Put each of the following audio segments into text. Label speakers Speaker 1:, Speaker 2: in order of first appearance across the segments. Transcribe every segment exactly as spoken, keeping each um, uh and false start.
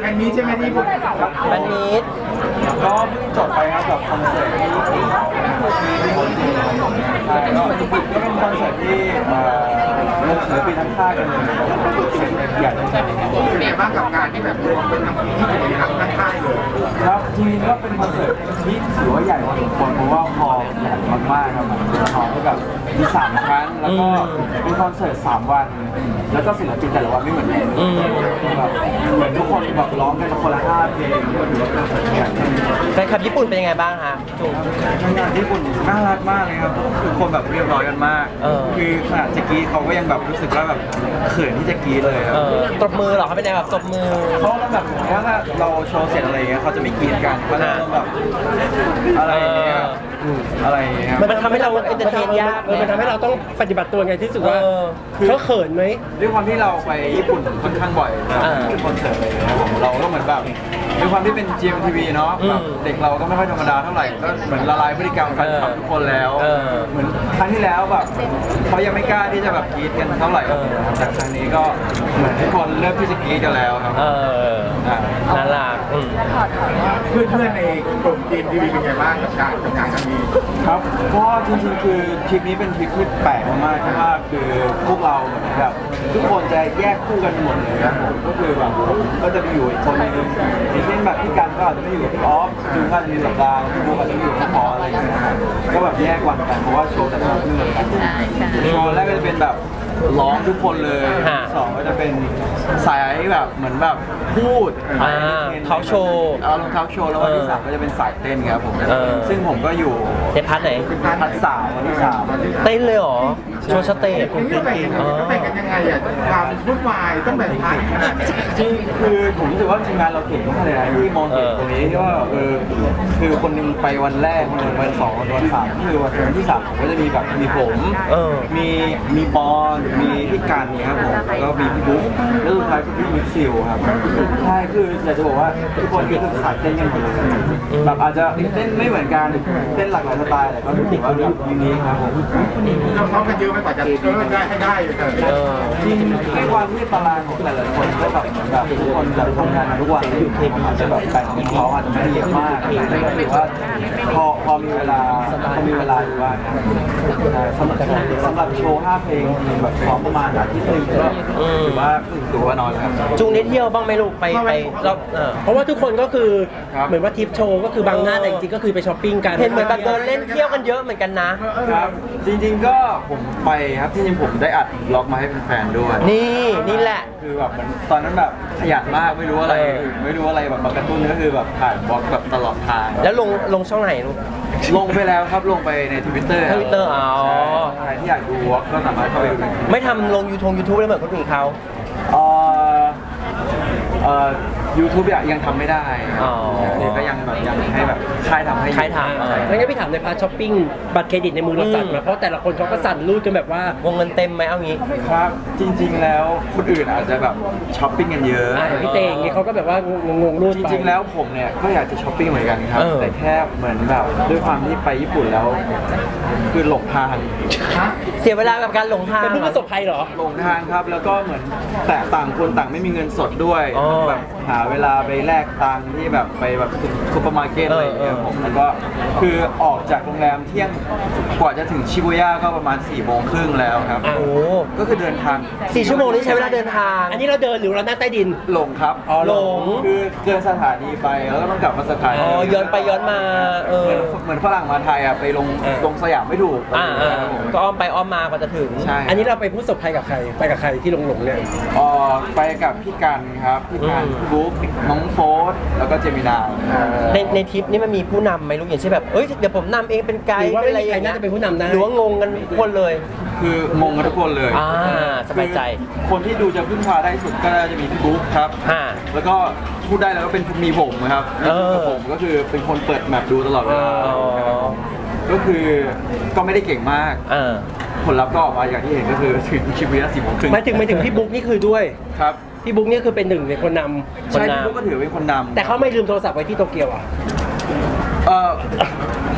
Speaker 1: นนี้ใช่ไหมที่พูด
Speaker 2: แฟนมีต
Speaker 3: ก็เพิ่งจบไปครับกับคอนเสิร์ตที่ที่ที่โมเดลใช่ก็ก็เป็นคอนเสิร์ตที่เอ่อรวมศิลปินทั้งค่ายกันเลยใหญ่ใช่ไหมครับ
Speaker 1: เป็นไงบ้างกับการที่แบบรวมเป็นทั้งทีที่เป็นทั้งทั้งค่ายเลย
Speaker 3: ครับจริงๆก็เป็นคอนเสิร์ตที่ถือว่าใหญ่พอสมควรเพราะว่าฮอลล์ใหญ่มากๆครับเป็นฮอลล์ที่แบบมีสามครั้งแล้วก็เป็นคอนเสิร์ตสามวันแล้วก็ศิลปินแต่ละวันไม่เหมือนกันแบบเหมือนทุกคนแบบร้องกันคนละห้าเพลงก็ถือว่าเป็นคอนเสิร์ตใหญ่
Speaker 2: แฟนคลับญี่ปุ่นเป็นยังไงบ้างฮะจุ๊บ
Speaker 3: งานญี่ปุ่นน่ารักมากเลยครับคือคนแบบเรียบร้อยกันมากคือขนาดจะกรี๊ดเขาก็ยังแบบรู้สึกว่าแบบเขินที่จะกรี๊ดเลยครับ
Speaker 2: ตบมือเหรอเขาเป็นไงแบบตบมือ
Speaker 3: เขาแบบว่าถ้าเราโชว์เสร็จอะไรเงี้ยเขาจะไม่กรี๊ดกันเขาจะแบบอะไรอย่างเงี้ยอะไรอย่างเงี้ย
Speaker 2: มันทำให้เราเอนเตอร์เทนยาก
Speaker 4: มันทำให้เราต้องปฏิบัติตัวไงที่สุดว่าเขาเขินไหม
Speaker 3: ด้วยความที่เราไปญี่ปุ่นค่อนข้างบ่อยคือคอนเสิร์ตอะไรเลยครับเราก็เหมือนแบบด้วยความที่เป็น จี เอ็ม ที วี เนาะแบบเด็กเราก็ไม่ค่อยธรรมดาเท่าไหร่ก็เหมือนละลายพฤติกรรมแฟนคลับทุกคนแล้วเหมือนครั้งที่แล้วแบบเขายังไม่กล้าที่จะแบบกรี๊ดกันเท่าไหร่แต่ครั้งนี้ก็เหมือนทุกคนเริ่มที่จะกรี๊ดกันแล้วครับ
Speaker 2: เออน่ารัก
Speaker 1: เพื่อนเพื่อนในกลุ่ม จี เอ็ม ที วี เป็นไงบ้างกับการทำงานครั้งนี้
Speaker 3: ครับก็จริงๆคือทริปนี้เป็นทริปที่แปลกมากๆเพราะว่าคือพวกเราเหมือนแบบทุกคนจะแยกคู่กันหมดเลยครับผมก็คือแบบก็จะไปอยู่อีกคนนึงอย่างเช่นแบบพี่กันก็อาจจะไม่อยู่กับพี่ออฟจูนก็จะมีสัปดาห์พี่บุ๊กอาจจะอยู่กับพี่พออะไรอย่างเงี้ยก็แบบแยกวันกันเพราะว่าโชว์แต่ละเรื่องกันโชว์แรกก็จะเป็นแบบร้องทุกคนเลยสองก็จะเป็นสายแบบเหมือนแบบพูด
Speaker 2: ทอล์กโชว์
Speaker 3: เอาลงทอล์กโชว์แล้ววันที่สามก็จะเป็นสายเต้นครับผมซึ่งผมก็อยู่
Speaker 2: ในพาร์ทไหน
Speaker 3: พาร์ทสามวันที่สาม
Speaker 2: เต้นเลยเหรอโชว์สเตจ
Speaker 1: ผมเต้นเก่งเต้นกันยังไงอ่ะความวุ่นวายต้องแบ่งพาร์ทขนาด
Speaker 3: จริงคือผมรู้สึกว่าทีมงานเราเก่งมากเลยนะที่มองเห็นตรงนี้ที่ว่าเออคือคนนึงไปวันแรกคนนึงวันสองวันสามคือวันที่สามก็จะมีแบบมีผมมีมีปอนมีพี่การเนี่ยครับผมแล้วก็มีพี่บุ๊กแล้วสุดท้ายคือพี่มิกซิลครับใช่คืออยากจะบอกว่าทุกคนคือสายเต้นกันหมดเลยแบบอาจจะเต้นไม่เหมือนกันเต้นหลากหลายสไตล์แต่ก็รู้สึกว่าแบบยูนิคครับผม
Speaker 1: เราซ้อมกันเยอะไหมกว่าจะได้ให้ได้
Speaker 3: จริงในความที่ตารางของแต่ละคนก็แบบเหมือนแบบทุกคนแบบทำงานทุกวันอยู่เทปอาจจะแบบแบ่งเป็นเขาอาจจะไม่ได้เยอะมากแต่ก็ถือว่าพอพอมีเวลาพอมีเวลาอยู่ว่าสำหรับสำหรับโชว์ห้าเพลงแบบซ้อมประมาณอาทิตย์นึงก็ถือว่าถือว่าน้อยครับ
Speaker 2: จุงนิดเที่ยวบ้างไหมลูกไปไปรอบ
Speaker 4: เพราะว่าทุกคนก็คือเหมือนว่าทริปโชว์ก็คือบางหน้าแต่จริงๆก็คือไปช้อปปิ้งกัน
Speaker 2: เห็นเหมือนแบบเดินเล่นเที่ยวกันเยอะเหมือนกันนะครับ
Speaker 3: จริงๆก็ผมไปครับที่จริงผมได้อัดบล็อกมาให้แฟนๆด้วย
Speaker 2: นี่นี่แหละ
Speaker 3: คือแบบมันตอนนั้นแบบขยันมากไม่รู้อะไรไม่รู้อะไรแบบกระตุ้นก็คือแบบถ่ายบล็อกแบบตลอดทาง
Speaker 2: แล้วลงลงช่องไหนลูก
Speaker 3: ลงไปแล้วครับลงไปใน Twitter
Speaker 2: ทวิตเตอร์อ๋อ
Speaker 3: ใครที่อยากดูบล็อกก็สามารถเข้าไปดู
Speaker 2: ไม่ทำลงยูทูบยูทูบเลยเหมือนคนอื่นเขา
Speaker 3: เอ่อเอ่อยูทูบยังทำไม่ได้เดี๋ยวก็ยังแบบยังให้แบบค่ายทำให้
Speaker 2: ค่ายทำ
Speaker 4: แล้วงั้นพี่ถามในพาร์ทช้อปปิ้งบัตรเครดิตในมือเราสั่นมาเพราะแต่ละคนเขาก็สั่นรูดกันแบบว่าว
Speaker 2: งเงินเต็มไหมเอางี้
Speaker 3: ครับจริงๆแล้วคนอื่นอาจจะแบบช้อปปิ้งกันเยอะ
Speaker 4: พี่เตงนี่เขาก็แบบว่างงๆรูด
Speaker 3: จริงๆแล้วผมเนี่ยก็อยากจะช้อปปิ้งเหมือนกันครับแต่แค่เหมือนแบบด้วยความที่ไปญี่ปุ่นแล้วคือหลงทาง
Speaker 2: เสียเวลากับการหลงทาง
Speaker 4: เป็นผู้ประสบภัยเหรอ
Speaker 3: หลงทางครับแล้วก็เหมือนแต่ต่างคนต่างไม่มีเงินสดด้วยแบบหาเวลาไปแลกตังค์ที่แบบไปแบบซุปเปอร์มาร์เก็ตอะไรอย่างเงี้ยผมแล้วก็คือออกจากโรงแรมเที่ยงกว่าจะถึงชิบูย่าก็ประมาณสี่โมงครึ่งแล้วครับ
Speaker 2: โอ้
Speaker 3: ก็คือเดินทาง
Speaker 2: สี่ชั่วโมงนี้ใช้เวลาเดินทาง
Speaker 4: อันนี้เราเดินหรือเรานั่งใต้ดิน
Speaker 3: หลงครับ
Speaker 2: อ๋อหลง
Speaker 3: คือเดินสถานีไปแล้วก็ต้องกลับมาสถานี
Speaker 2: อ๋อย้อนไปย้อนมาเออ
Speaker 3: เหมือนฝรั่งมาไทยอ่ะไปลงลงสยามไม่ถูก
Speaker 2: อ่าก็อ้อมไปอ้อมมากว่าจะถึง
Speaker 3: ใช่
Speaker 4: อันนี้เราไปผู้ประสบภัยกับใครไปกับใครที่หลงหลงเนี่ย
Speaker 3: อ๋อไปกับพี่กันครับพี่กันพี่บุ๊กน้องโฟสแล้วก็เจมินา
Speaker 2: ในในทริปนี้มันมีผู้นำไหมลูกอย่างเช่นแบบเอ้ยเดี๋ยวผมนำเองเป็นไกด์เป็นอะไรอย่างเงี้ย
Speaker 4: จะเป็นผู้นำได้
Speaker 2: หรือว่างงกันทุกคนเลย
Speaker 3: คืองงกันทุกคนเลย
Speaker 2: อ่าสบายใจ
Speaker 3: คนที่ดูจะพึ่งพาได้สุดก็จะมีพี่บุ๊กครับแล้วก็พูดได้แล้วก็เป็นมีผมครับผมก็คือเป็นคนเปิดแมปดูตลอดเวลาก็คือก็ไม่ได้เก่งมากผลลัพธ์ก็ออกมาอย่างที่เห็นก็คือถึงชิบูย่าสี่โมงครึ่ง
Speaker 4: หมายถึงหมายถึงพี่บุ๊กนี่คือด้วย
Speaker 3: ครับ
Speaker 4: พี่บุ๊กนี่คือเป็นหนึ่งในคนนำ
Speaker 3: ใช่พี่บุ๊กก็ถือเป็นคนนำ
Speaker 4: แต่เขาไม่ลืมโทรศัพท์ไว้ที่โตเกียวอ่ะ
Speaker 3: เออก็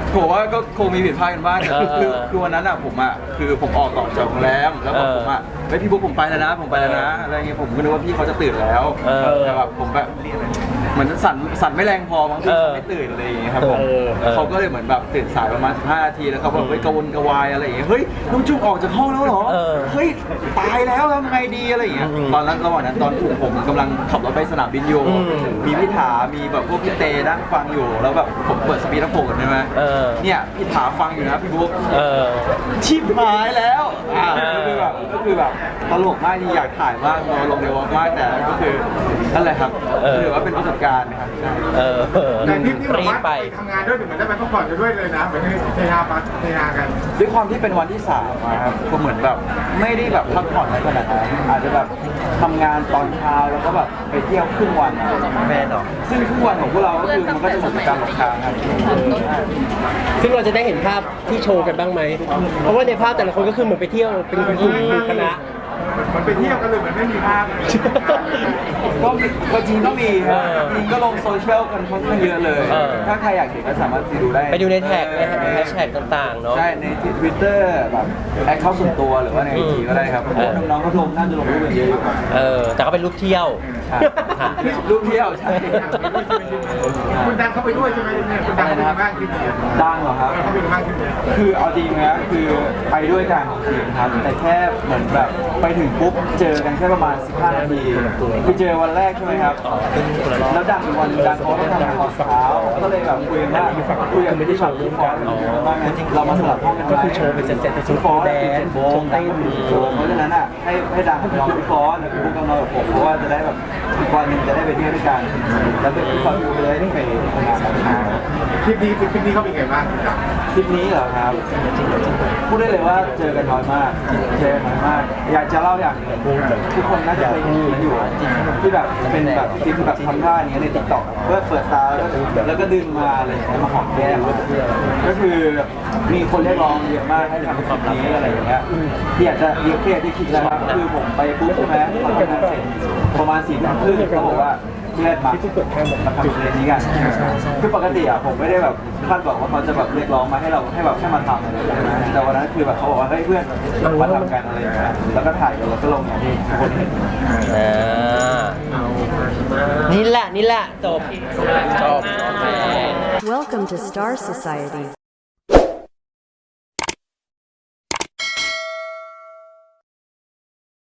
Speaker 3: ผมว่าก็คงมีผิดพลาดกันบ้าง
Speaker 2: เออ
Speaker 3: คือคือวันนั้นอ่ะผมอ่ะคือผมออกต่อจากโรงแรมแล้วบอก
Speaker 2: เออ
Speaker 3: ผมอ่ะเฮ้ยพี่บุ๊คผมไปแล้วนะผมไปแล้วนะอะไรเงี้ยผมก็นึกว่าพี่เขาจะตื่นแล้ว
Speaker 2: เออ
Speaker 3: แต่แบบผมแบบเหมือนสั่นสั่นไม่แรงพอบางที
Speaker 2: เออ
Speaker 3: เขาไม่ตื่นอะไรอย่างเงี้ยครับผม
Speaker 4: เออ
Speaker 3: เขาก็เลยเหมือนแบบตื่นสายประมาณสิบห้านาทีแล้วเขาแบบไปกระวนกระวายอะไรอย่างเงี้ยเฮ้ยน้องจุ๊บออกจากห้องแล้วเหรอ
Speaker 2: เออ
Speaker 3: เฮ้ยตายแล้วทำไงดีอะไรอย่างเงี้ย
Speaker 2: อืม
Speaker 3: ตอนนั้นระหว่างนั้นตอนผมผมกำลังขับรถไปสนามบินอยู่
Speaker 2: อืม
Speaker 3: มีพี่ถามีแบบพวกพี่เตนั่งฟังอยู่แล้วแบบผมเปิดสปีดอัพโฟนใช่ไหม
Speaker 2: เออ
Speaker 3: เนี่ยพี่ถาฟังอยู่นะพี่บุ๊ค
Speaker 2: เออ
Speaker 3: ชิบหายแล้วอ่า
Speaker 2: เออ
Speaker 3: ก็คือแบบก็คือแบบตลกมากที่อยากถ่ายมากลงในวอล์กมากแต่ก็คือนั่นแหละครับถือว่าเป็นประสบการณ์นะครับใช่
Speaker 2: เออ
Speaker 1: แต่ทริปนี้บอก
Speaker 2: รีบ
Speaker 1: ว่า
Speaker 2: ไป
Speaker 1: ไปทำงานด้วยถึงเหมือนได้ไปพักผ่อนกันด้วยเลยนะเหมือนเฮฮาปาเฮฮากัน
Speaker 3: ด้วยความที่เป็นวันที่สามอะครับก็เหมือนแบบไม่ได้แบบพักผ่อนอะไรขนาดนั้นอาจจะแบบทำงานตอนเช้าแล้วก็แบบไปเที่ยวครึ่งวันอะ
Speaker 2: แฟนเหรอ
Speaker 3: ซึ่งครึ่งวันของพวกเราก็คือมันก็จะเหมือนเป็นการหลบทางครับ
Speaker 4: ซึ่งเราจะได้เห็นภาพที่โชว์กันบ้างไหม เพราะว่าในภาพแต่ละคนก็คือเหมือนไปเที่ยวเป็นกลุ่มเป็นคณะ
Speaker 1: มันไปเที่ยวกันเลยเหมือนไม่มีภาพ
Speaker 3: ก็มีก็จริงก็มีครับ
Speaker 2: เออ
Speaker 3: จริงก็ลงโซเชียลกันค่อนข้างเยอะเลย
Speaker 2: เออ
Speaker 3: ถ้าใครอยากเห็นก็สามารถไปดูได้
Speaker 2: ไปดูในแท็กในแฮชแท็กต่างๆ เนาะ
Speaker 3: ใช่ ในทวิตเตอร์แบบแอคเคาท์ส่วนตัวหรือว่าในไอจีก็ได้ครับเพราะว่าน้องๆเขาลงน่าจะลงรูปกันเยอะอยู่
Speaker 2: เออ แต่ก็เป็นรูปเที่ยว
Speaker 3: ครับ
Speaker 2: ค่ะ
Speaker 3: รูปเที่ยวใช่
Speaker 1: คุณดังเข้าไปด้วยใช่ไหมเนี่ยคุณดังเข้าไปดูบ้างที่นี่
Speaker 3: ดังเหรอครับ
Speaker 1: เข้าไปดูบ้างที่นี่
Speaker 3: คือเอาจริงนะคือไปด้วยกันจริงครับแต่แค่เหมือนแบบไปถึงปุ๊บเจอกันแค่ประมาณสิบห้านาทีคือเจอวันแรกใช่ไหมครับแล้วดังอีกวันหนึ่งดังเขาต้องทำงานตอนเช้าก็เลยแบบคุยกันว่าคุยกันไม่ได้ชอบพี่ฟอสว่าไงเรามาสลับห้องกันไหม
Speaker 4: ก็คือโชว์เป็นเซตๆแต่โชว์
Speaker 3: พี่ฟอส
Speaker 4: แด
Speaker 3: เป็น
Speaker 4: นซ์
Speaker 3: โบ
Speaker 4: โช
Speaker 3: ง
Speaker 4: ว์เต้น
Speaker 3: โชว์เพราะฉะนั้นอ่ะให้ให้ดังกับน้องพี่ฟอสแล้วพี่บุ๊กกับน้องกับผมเพราะว่าจะได้แบบอีกวันหนึ่งจะได้ไปเที่ยวด้วยกันแล้วก็พี่ฟอสดูเลยได้ไปทำงานตอนเช้า
Speaker 1: ทริปนี้ทริปนี้เขาเป็นไงบ้างคุณดัง
Speaker 3: ทริปนี้เหรอครับพูดได้เลยว่าเจอกันน้อยมากเจอกันน้อยมาก อยากจะเล่าอย่างหนึงทุกคนน่าจะเคยเห็นกันอยู่ที่แบบเป็นแบบคลิปแบบทำท่าอย่างเงี้ยในติ๊กต็อกเพื่อเปิดตาแล้วก็แล้วก็ดึงมาอะไรอย่างเงี้ยมาหอมแก้มก็คือมีคนเรียกร้องเยอะมากให้ทำคลิปนี้อะไรอย่างเงี้ยที่อยากจะเรียกเพจที่คิดแล้วครับคือผมไปปุ๊บใช่ไหมทำงานเสร็จประมาณสี่ทุ่มครึ่งเขาบอกว่าเพื่อนมามาทำเพลงนี้กันคือปกติอ่ะผมไม่ได้แบบคาดหวังว่าเขาจะแบบเรียกร้องมาให้เราให้แบบแค่มาทำอะไรอย่างเงี้ยนะแต่วันนั้นคือแบบเขาบอกว่าเฮ้ยเพื่อนมาทำกันอะไรอย่างเงี้ยแล้วก็ถ่ายกันแล้วก็ลงอย่างที่ทุกคนเห็น
Speaker 2: อ่า นี่แหละ นี่แหละ จบ จบ
Speaker 5: Welcome to Star Society.